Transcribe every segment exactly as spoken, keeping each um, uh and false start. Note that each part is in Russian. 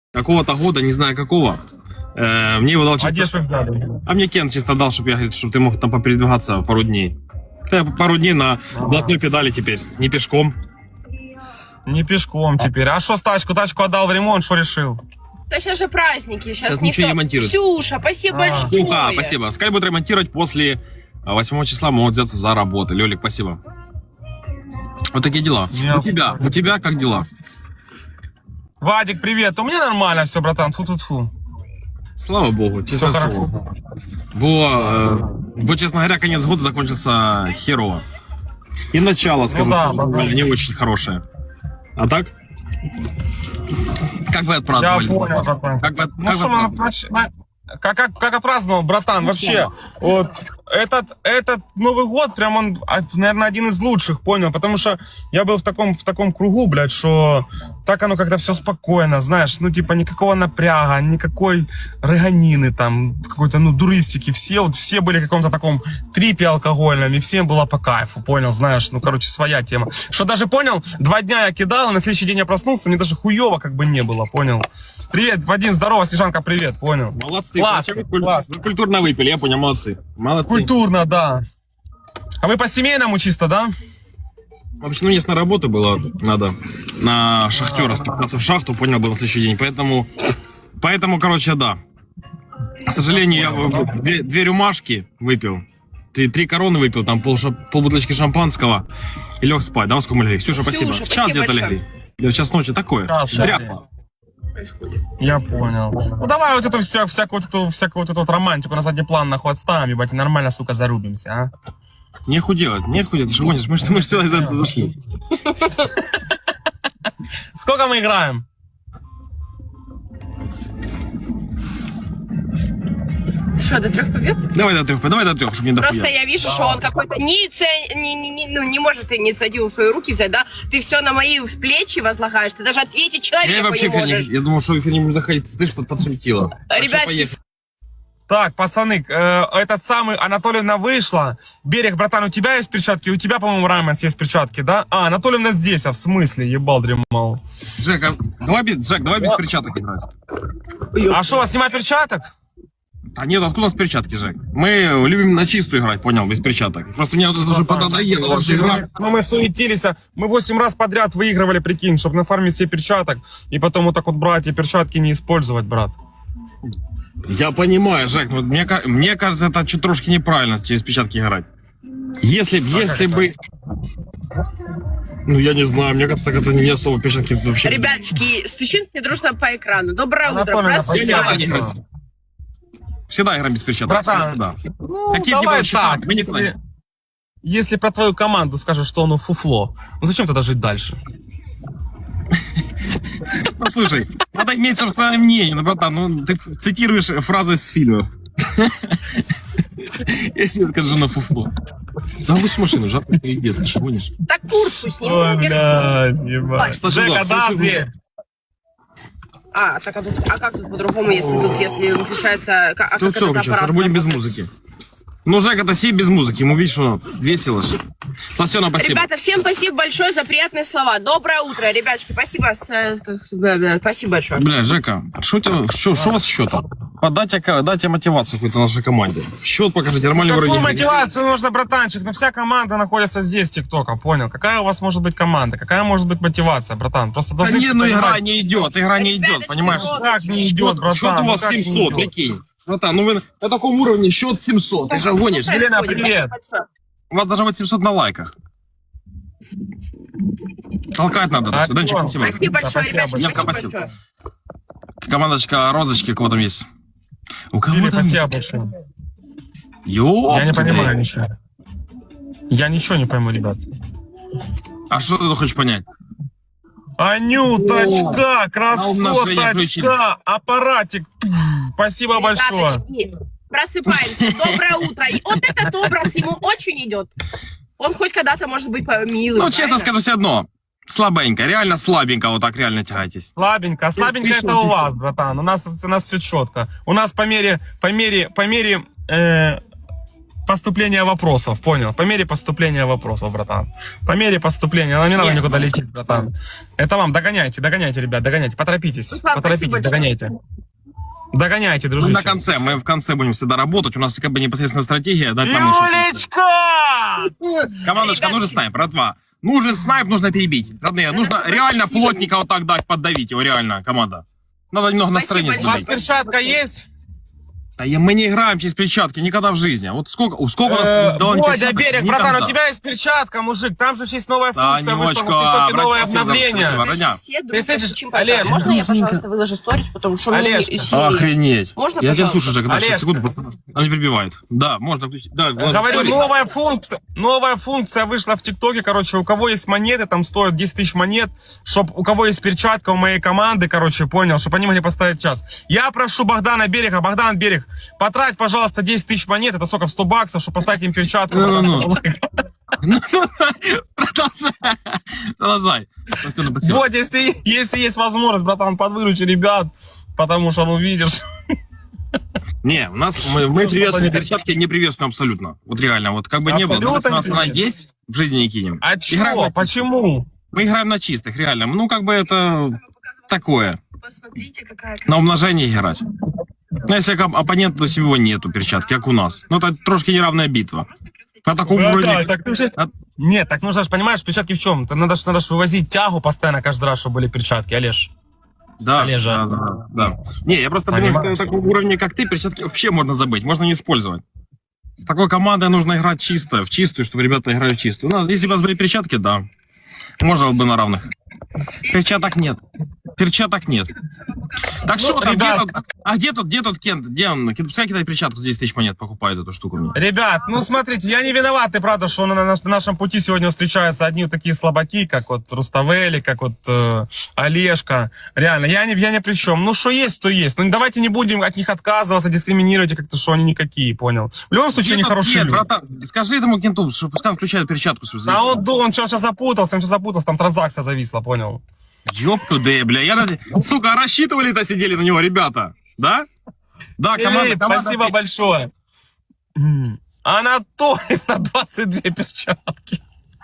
какого-то года, не знаю какого. Э, мне его дал... А где ж вы взяли? А мне Кен чисто дал, чтобы я, говорит, чтобы ты мог там попередвигаться пару дней. Я пару дней на блатной педали теперь, не пешком. Не пешком теперь. А что с тачку? Тачку отдал в ремонт, что решил? Да сейчас же праздники. Сейчас, Сейчас никто... ничего не монтируют. Ксюша, спасибо А. большое. Кука, спасибо. Скай будет ремонтировать после восьмого числа, могут взяться за работу. Лёлик, спасибо. Вот такие дела. Я У тебя, у тебя как дела? Вадик, привет. У меня нормально все, братан. Фу-фу-фу. Слава богу, Все честно хорошо. слово. Бо, э, бо, честно говоря, конец года закончился херово. И начало, скажу, да, тоже да. не очень хорошее. А так? Как вы Я отпраздновали? понял, братан. Как вы, Ну как что, вы мы отпраздновали? нач- на- как, как, как отпраздновал, братан, Ну, вообще, вот, этот, этот Новый год, прям он, наверное, один из лучших, понял, потому что я был в таком, в таком кругу, блядь, что так оно как-то все спокойно, знаешь, ну, типа, никакого напряга, никакой рыганины там, какой-то, ну, дуристики, все, вот, все были в каком-то таком трипе алкогольном, и всем было по кайфу, понял, знаешь, ну, короче, своя тема. Что даже, понял, два дня я кидал, и на следующий день я проснулся, мне даже хуево как бы не было, понял. Привет, Вадим, здорово, Снежанка, привет, понял. Молодцы, Класс, короче, вы, куль- класс. вы культурно выпили, я понял, молодцы. Молодцы. Культурно, да. А вы по семейному чисто, да? Вообще, ну, мне на работу было надо на шахтера спускаться в шахту, понял, был на следующий день. Поэтому, поэтому, короче, да. К сожалению, я в- две, две рюмашки выпил. Три, три короны выпил, там пол, ша- пол бутылочки шампанского и лег спать. Да, во сколько мы легли? Ксюша, спасибо. Ксюша, В час спасибо где-то большое. легли. Да, в час ночи такое. Час, Дряпа. Я понял. Ну давай вот эту вся, всякую, вот эту, всякую вот эту вот романтику на задний план нахуй отставим, ебать, и нормально, сука, зарубимся, а? Нехуй делать, нехуй делать. Ты что гонишь? Мы что мы сюда из этого зашли. Сколько мы играем? Что, до трех побед? Давай до трех, давай до трех, чтобы не дохуя. Просто я вижу, что он какой-то не, иници- не, не, не- ну, не может инициативу в свои руки взять, да? Ты все на мои плечи возлагаешь, ты даже ответить человеку Я вообще не в эфир не, можешь. я думал, что в эфир не буду заходить. Ты что подсуетила? Так что Ребятки, поехали. Так, пацаны, э, этот самый Анатольевна вышла. Берег, братан, у тебя есть перчатки? У тебя, по-моему, Раймонс есть перчатки, да? А, Анатольевна здесь, а в смысле? Ебал, дремал. Джек, а давай без, Джек, давай без перчаток играть. А что, у вас нема перчаток? А нет, откуда у нас перчатки, Жек? Мы любим на чистую играть, понял, без перчаток. Просто мне вот это уже поднадоело, уже игра. Ну, мы суетились, а мы восемь раз подряд выигрывали, прикинь, чтобы нафармить себе перчаток, и потом вот так вот брать и перчатки не использовать, брат. Я понимаю, Жек, но мне, ка- мне кажется, это чуть трошки неправильно через перчатки играть. Если, б- если бы... Ну, я не знаю, мне кажется, так это не особо перчатки вообще... ребяточки, стучим все дружно по экрану. Доброе утро, Анатольевна, просыпайтесь. спасибо. Всегда, всегда играем без перчаток. Братан, всегда. Ну, Какие бы давай было счета, так, мы не если, знаем. если про твою команду скажешь, что оно фуфло, ну зачем тогда жить дальше? Ну, слушай, надо иметь собственное мнение, ну, братан, ну, ты цитируешь фразы с фильмов. Если я скажу на фуфло. Заводишь машину, жарко пиздец, ты что гонишь? Так куртку сними. Ой, блядь, ебать. Что Жека, сюда, да, что дверь. А, так, а, тут, а как тут по-другому, если тут, если выключается... А как Тут все, этот сейчас аппарат будем без работает? музыки. Ну, Жек, это си без музыки, ему видишь, что весело же. Сласена, спасибо. Ребята, всем спасибо большое за приятные слова. Доброе утро, ребяточки, спасибо. с- э, как- бля, бля, Спасибо большое. Бля, Жека, что у тебя, что, что у вас с счетом? Подайте, дайте мотивацию какой-то нашей команде. Счет покажите, нормальный Какую вроде. мотивацию нужно, братанчик? Ну вся команда находится здесь, ТикТока, понял? Какая у вас может быть команда? Какая может быть мотивация, братан? Просто Да должны не, все ну понимать. игра не идет, игра не идет, Ребяточки, понимаешь? вот. Как не идет, братан? Счет у ну вас как не семьсот, идет? прикинь. Братан, ну вы на таком уровне счет семьсот, ты же гонишь. Что Елена, происходит? привет. Спасибо большое. У вас должно быть семьсот на лайках. Толкать надо. А, Данчик, вон. спасибо. Спасибо большое, Спасибо ребяточки, большое. спасибо Спасибо. большое. Командочка Розочки, кого там есть? У кого Лили, там? спасибо большое. Ёп, Я не ты, понимаю блядь. ничего. Я ничего не пойму, ребят. А что ты хочешь понять? Анюточка, на умножение включили. красоточка, аппаратик. Спасибо большое. Ребяточки, просыпаемся. Доброе утро. И вот этот образ ему очень идет. Он хоть когда-то может быть по- милым. Ну, честно правильно? скажу себе одно. Слабенько, реально слабенько, вот так реально тягайтесь. Слабенько, слабенько Ты это что, у ты вас, братан. У нас, у нас все четко. У нас по мере, по мере, по мере, э, поступления вопросов, понял? По мере поступления вопросов, братан. По мере поступления, нам не надо Нет. никуда лететь, братан. Это вам, догоняйте, догоняйте, ребят, догоняйте, поторопитесь, Ну, ладно, поторопитесь, спасибо догоняйте. Догоняйте, Мы дружище. на конце, мы в конце будем всегда работать. У нас как бы непосредственно стратегия. Дать нам еще- Юлечка! Командочка, Ребятки. нужен снайп, братва. Нужен снайп, нужно перебить. Родные, нужно спасибо. реально плотника вот так дать, поддавить его, реально, команда. Надо немного настроения Спасибо У вас сбавить. перчатка есть? Да я- мы не играем через перчатки никогда в жизни. Вот сколько, у сколько у нас Э, дало Бодя, перчаток? Берег, Никогда. братан, у тебя есть перчатка, мужик. Там же есть новая функция, вышла в Танечка, ТикТоке, новое обратись, обновление. спасибо. Родня. Все Ты дружат слышишь, с чемпионом. Олеж, Можно я, дружинка. пожалуйста, выложу сторис, потому что мы Олеж, не- серии. Охренеть. Можно, я тебя пожалуйста? слушаю, Жек, да, Олеж. сейчас, секунду. Он не перебивает. Да, можно включить. Да, вот, Говорю, сторис. новая функция, новая функция вышла в ТикТоке, короче, у кого есть монеты, там стоят десять тысяч монет, чтоб у кого есть перчатка у моей команды, короче, понял, чтобы они могли поставить час. Я прошу Богдана Берега, Богдан Берег, потрать, пожалуйста, десять тысяч монет, это сколько, в сто баксов, чтобы поставить им перчатку. Ну-ну-ну. Продолжай. Продолжай. Спасибо, спасибо. Вот, если, если есть возможность, братан, подвыручи ребят, потому что, ну, видишь... Не, у нас мы, мы Ну, приветствуем что перчатки, не приветствуем абсолютно. Вот реально, вот как бы не было. Абсолютно У нас не она приветствуем. есть, в жизни не кинем. А Играем чё? на- Почему? Мы играем на чистых, реально. Ну, как бы это такое. Посмотрите, какая На умножение играть. Ну, если как оппонент, то всего нету перчатки, как у нас. Ну, это трошки неравная битва. На таком Братан, уровне... так ты же... А- Нет, так нужно же, понимаешь, перчатки в чем? Надо же надо ж вывозить тягу постоянно каждый раз, чтобы были перчатки, Олеж. Да, Олежа. да, да, да. Не, я просто думаю, что Понимаешь? на таком уровне, как ты, перчатки вообще можно забыть, можно не использовать. С такой командой нужно играть чисто, в чистую, чтобы ребята играли в чистую. У нас, если бы у нас были перчатки, да, можно было бы на равных. Перчаток нет. Перчаток нет. Так Ну, что там, где ребят. тут, а где тут, где тут Кент, где он? Кент, пускай кидает перчатку за десять тысяч монет, покупает эту штуку мне. Ребят, ну смотрите, я не виноват, и правда, что на, наш- на нашем пути сегодня встречаются одни вот такие слабаки, как вот Руставели, как вот э, Олежка. Реально, я не, я ни при чем. Ну, что есть, то есть. Ну, давайте не будем от них отказываться, дискриминировать, и как-то, что они никакие, понял. В любом случае, они Где тут хорошие Кент, люди. братан? Скажи этому Кенту, что пускай он включает перчатку свою. за А десять. он, да, он сейчас запутался, он сейчас запутался, там транзакция зависла, понял. Ёб туда, бля. Я, ради- сука, а рассчитывали-то сидели на него, ребята. Да? Да, команда, Филипп, команда- спасибо большое. М. Анатолий на двадцать две перчатки.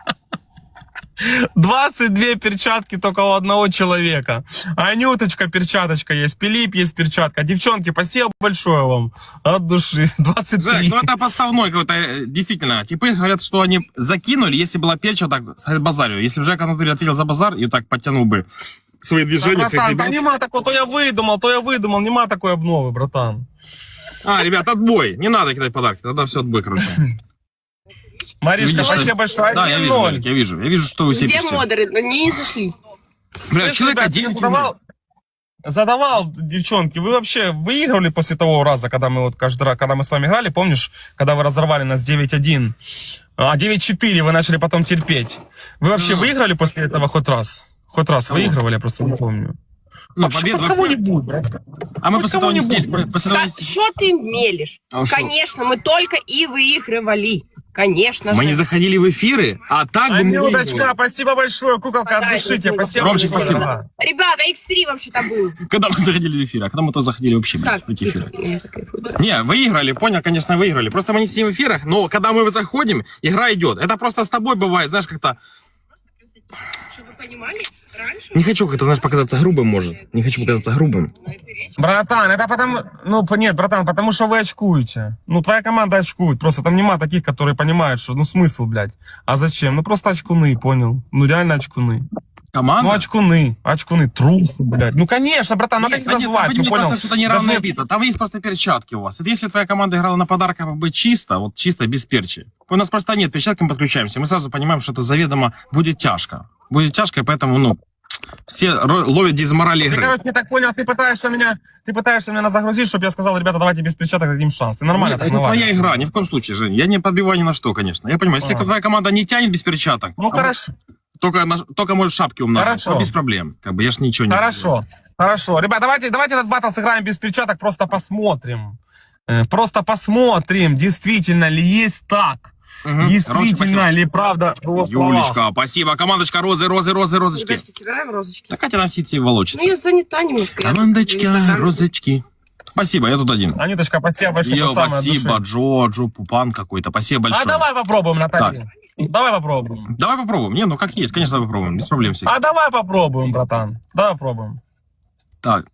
двадцать две перчатки только у одного человека. Анюточка, перчаточка есть. Филипп есть перчатка. Девчонки, спасибо большое вам. От души. двадцать три. Жек, ну это подставной какой-то, э, действительно. Типы говорят, что они закинули, если была печь, так сказать, базарю. Если бы Жек Анатолий ответил за базар и так подтянул бы свои Да, движения, своих братан, да ребят. нема такого, то я выдумал, то я выдумал. Нема такой обновы, братан. А, ребят, отбой. Не надо кидать подарки, тогда все отбой, короче. Маришка, Видишь, спасибо большое. Да, я один вижу, ноль. Жек, я вижу. Я вижу, что вы все Где пишете. модеры? Они не зашли. Бля, Слышь, человека ребят, я девять задавал, задавал, девчонки, вы вообще выигрывали после того раза, когда мы вот каждый раз, когда мы с вами играли, помнишь, когда вы разорвали нас девять один, а девять четыре вы начали потом терпеть. Вы вообще Ну. выиграли после этого хоть раз? Хоть раз Кого? выигрывали, я просто не помню. Ну, Вообще, победа хоть вообще- кого-нибудь, брат. А мы хоть после того не кого-нибудь, сидели. брат. После того Да, не сидели. что ты мелешь? А шо? Конечно, мы только и выигрывали. Конечно Мы же. не заходили в эфиры, а так бы мы Анюточка, выиграли. спасибо большое, куколка, от Подай, души тебе, Анютка. спасибо Ромчик, большое. спасибо. дорогая. Ребята, икс три вообще-то был. Когда мы заходили в эфир, а когда мы то заходили вообще, блядь, Так, в эти эфиры. тихо, я так кайфую, да. Не, выиграли, понял, конечно, выиграли. Просто мы не сидим в эфирах, но когда мы заходим, игра идет. Это просто с тобой бывает, знаешь, как-то... Чтобы вы понимали, раньше... Не хочу как-то, знаешь, показаться грубым, может. Не хочу показаться грубым. Братан, это потому... Ну, п- нет, братан, потому что вы очкуете. Ну, твоя команда очкует. Просто там нема таких, которые понимают, что... Ну, смысл, блядь. А зачем? Ну, просто очкуны, понял? Ну, реально очкуны. Команда? Ну, очкуны. Очкуны. Трусы, блядь. Ну, конечно, братан, ну, как их Нет, назвать? нет, Ну, не понял? просто, что это Даже неравная нет- бита. Там есть просто перчатки у вас. Это если твоя команда играла на подарках как бы чисто, вот чисто, без перчи. У нас просто нет перчатки, мы подключаемся. Мы сразу понимаем, что это заведомо будет тяжко. Будет тяжко, и поэтому, ну, все ро- ловят дизморали Ты, игры. короче, я так понял, ты пытаешься меня... Ты пытаешься меня загрузить, чтобы я сказал, ребята, давайте без перчаток дадим шанс. Ты нормально Нет, так это твоя навалишь. игра, ни в коем случае, Жень. Я не подбиваю ни на что, конечно. Я понимаю, если А. твоя команда не тянет без перчаток, Ну, а хорошо. только, на- только может шапки умножить, Хорошо. то без проблем. Как бы я ж ничего не... Хорошо, хорошо. Ребят, давайте, давайте этот батл сыграем без перчаток, просто посмотрим. Э, Просто посмотрим, действительно ли есть так. Мгм. Действительно Ромчик, ли правда в его спасибо. словах. Юлечка, спасибо. Командочка, розы, розы, розы, розочки. Ребятки, собираем розочки. Так Катя нам все эти волочится. Ну, я занята немножко. я тут в Командочка, Инстаграме. розочки. Спасибо, я тут один. Анюточка, спасибо большое. Йо, от самой от спасибо, души. Джоджо, Пупан какой-то. Спасибо большое. А давай попробуем, Наталья. Давай попробуем. Давай попробуем. Не, ну как есть, конечно, давай попробуем. Без проблем всех. А давай попробуем, братан. Давай попробуем. Так.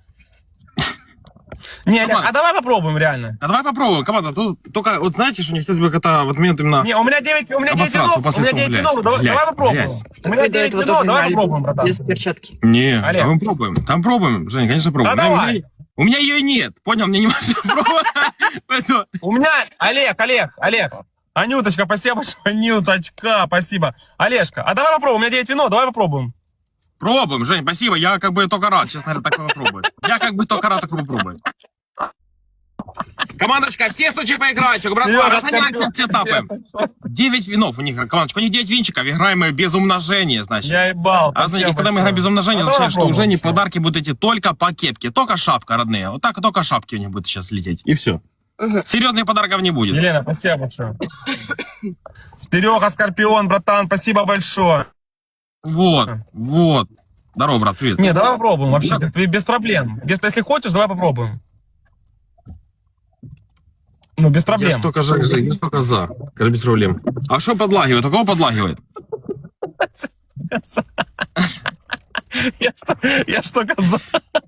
Не, не, Команда. а давай попробуем, реально. А давай попробуем, команда. Тут только, вот знаете, что не хотелось бы это в этот момент именно... Не, у меня девять, у меня девять Обосраться винов, после у меня слов, девять блядь. винов, давай, Блядь, давай попробуем. блядь. У меня Вы до девять этого винов, тоже давай играли попробуем, братан. без перчатки. Не, Олег. там пробуем. Там пробуем, Женя, конечно, пробуем. А У меня- давай. У меня, у меня ее нет, понял? Мне не важно пробовать. Поэтому- У меня, Олег, Олег, Олег. Анюточка, спасибо большое, Анюточка, спасибо. Олежка, а давай попробуем, у меня девять винов, давай попробуем. Пробуем, Жень, спасибо. Я как бы только рад, честно говоря, такое попробовать. Я как бы только рад такое попробовать. Командочка, все случаи поиграть. Братва, Серега, разгоняйте все этапы. девять винов у них, командочка. У них девять винчиков. Играем мы без умножения, значит. Я ебал, А знаете, спасибо когда мы большое. играем без умножения, А давай означает, что у попробуем, Жени всё. подарки будут идти только по кепке. Только шапка, родные. Вот так только шапки у них будут сейчас лететь. И все. Мгм. Серьезных подарков не будет. Елена, спасибо большое. Серега, Скорпион, братан, спасибо большое. Вот, вот. Здорово, брат, привет. Не, давай попробуем вообще, без проблем. Без, если хочешь, давай попробуем. Ну, без Я проблем. ж только за, я ж только за. Скажи, без проблем. А что подлагивает? У кого подлагивает? Я что, я что казал?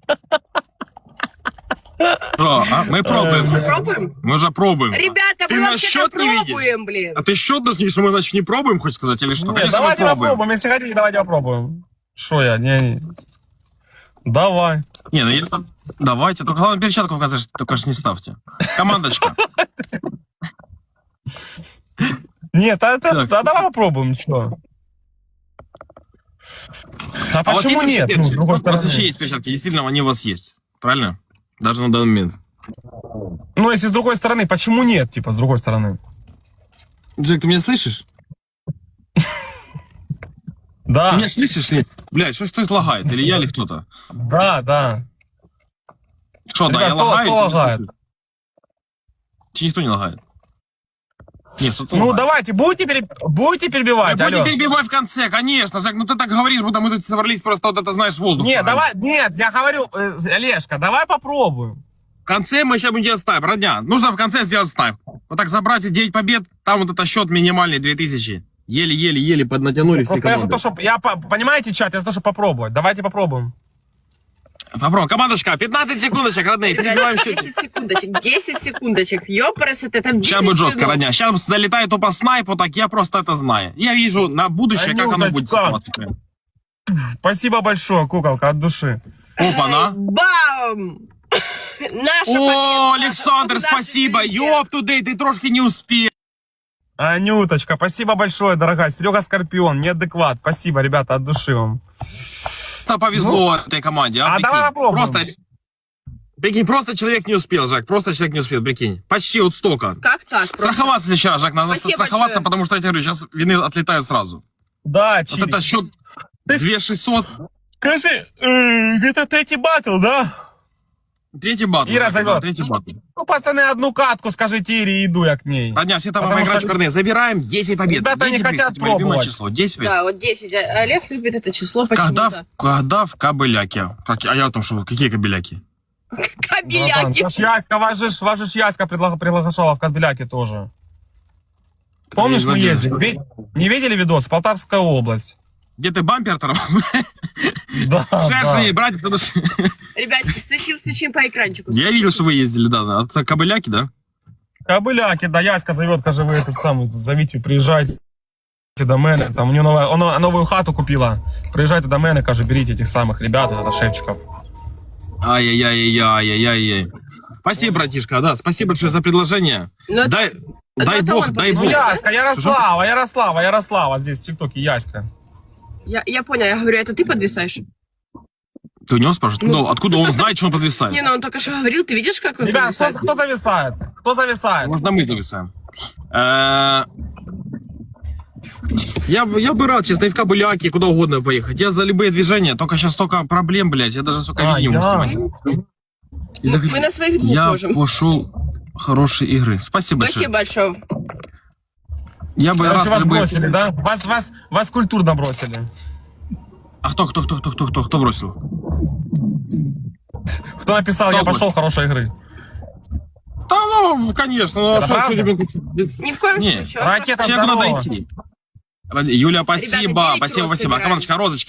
Что, а? Мы пробуем. Пробуем? Мы уже пробуем. Ребята, Ты мы наш вообще-то счет не видишь? пробуем, блин. А ты счет нас не, что мы, значит, не пробуем, хочешь сказать, или что? Нет, Конечно, мы давайте пробуем. попробуем. Если хотите, давайте попробуем. Что я? Не, не. Давай. Не, ну я... Давайте, только главное перчатку указать, только ж не ставьте. Командочка. Нет, а, это, Так. а давай попробуем, что? А, А у вас почему есть нет? вообще Ну, с перчатки? другой У вас вообще стороны. есть перчатки, действительно, они у вас есть. Правильно? Даже на данный момент. Ну, если с другой стороны, почему нет, типа, с другой стороны? Джек, ты меня слышишь? Да, Ты меня слышишь? Или... Блядь, что что это лагает? Или я, или кто-то? да, да. Что, да, Ребят, я кто- лагаю? кто ты не лагает? слышишь? Чи никто не лагает? Нет, кто-то Ну, лагает. давайте, будете, пере- будете перебивать, Да алло? будем перебивать в конце, конечно, Жек, ну ты так говоришь, будто мы тут собрались просто вот это, знаешь, воздух. Нет, погнать. давай, нет, я говорю, э, Олежка, давай попробуем. В конце мы сейчас будем делать снайп, родня. Нужно в конце сделать снайп. Вот так забрать девять побед, там вот это счет минимальный две тысячи. Еле-еле-еле поднатянули все Просто я за команды. то, что, я, по- понимаете, чат, я за то, чтобы попробовать. Давайте попробуем. Попробуем. Командочка, пятнадцать секундочек, родные, перебиваем счет. десять секундочек, десять секундочек. Ёпрст, это там Сейчас будет жестко, родня. Сейчас залетает тупо снайп, вот так, я просто это знаю. Я вижу на будущее, как оно будет Анюточка. ситуация. Спасибо большое, куколка, от души. Опа, на. Бам! Наша О, победа. Александр, Наша спасибо. победа. Ёп тудей, ты трошки не успел. Анюточка, спасибо большое, дорогая. Серега Скорпион, неадекват. Спасибо, ребята, от души вам. Просто повезло этой команде. А, а прикинь. давай попробуем. Просто, прикинь, просто человек не успел, Жак. Просто человек не успел, прикинь. Почти вот столько. Как так? Просто? Страховаться в следующий раз, Жак. Надо Спасибо страховаться, большое. потому что я тебе говорю, сейчас вины отлетают сразу. Да, Вот Чили. это счет две тысячи шестьсот. Скажи, э, это третий батл, да? Третий батл. Ира Жак, да, зовет. Третий батл. Ну, пацаны, одну катку скажите Ире, иду я к ней. Родня, все там Потому играть что- в карне. Забираем десять побед. Ребята не десять побед, хотят кстати, мое любимое пробовать. число. десять побед. Да, вот десять. А- Олег любит это число Когда, почему-то. в, когда в кабеляке. Как, а я там что, какие кабеляки? Братан, Кабеляки. ваш Яська, ваш же, ваш же Яська предлаг- приглашала в Кадбеляке тоже. Помнишь, мы Надеюсь. ездили? Ви- Не видели видос? Полтавская область. Где ты бампер торговал? Да, Жаль, да. не брать, потому что... Ребятки, стучим, стучим по экранчику. Я видел, что вы ездили, да, на отца кабеляки, да? Кобыляки, да, Яська зовет, каже, вы этот самый, зовите, приезжайте до мене. Там у нее новая, она новую хату купила. Приезжайте до мене, каже, берите этих самых ребят, это шефчиков. Ай-яй-яй-яй-яй-яй. Спасибо, братишка, да, спасибо большое за предложение. Ну, Дай, ну, дай это бог, он дай Ну, бог. Яська, Ярослава, Ярослава, Ярослава здесь в ТикТоке, Яська. Я, я понял, я говорю, это ты подвисаешь? Ты у него спрашиваешь? Ну. Ну, откуда он знает, что он подвисает? Не, ну он только что говорил, ты видишь, как он Ребят, кто, подвисает? кто зависает? Кто зависает? Можно мы зависаем. Э, Я, бы- я бы рад, честно, и в Кабыляки, куда угодно поехать. Я за любые движения, только сейчас столько проблем, блядь. Я даже, сука, А, видео не я- снимать. И захот- Мы на своих двух Я можем. пошел хорошей игры. Спасибо большое. Спасибо большое. Я бы Короче, рад вас любые- бросили, да? Вас, вас, вас культурно бросили. А кто, кто, кто, кто, кто, кто, кто бросил? Кто написал, я Кто пошел, хорошей игры. Да, ну, конечно. Ну, а Это что правда? сегодня... Ни в коем Не, случае. ракета Он Человеку надо здорово. идти. Ради- Юля, спасибо, Ребята, девять спасибо, роз спасибо. собираем. Акамоночка, розочки.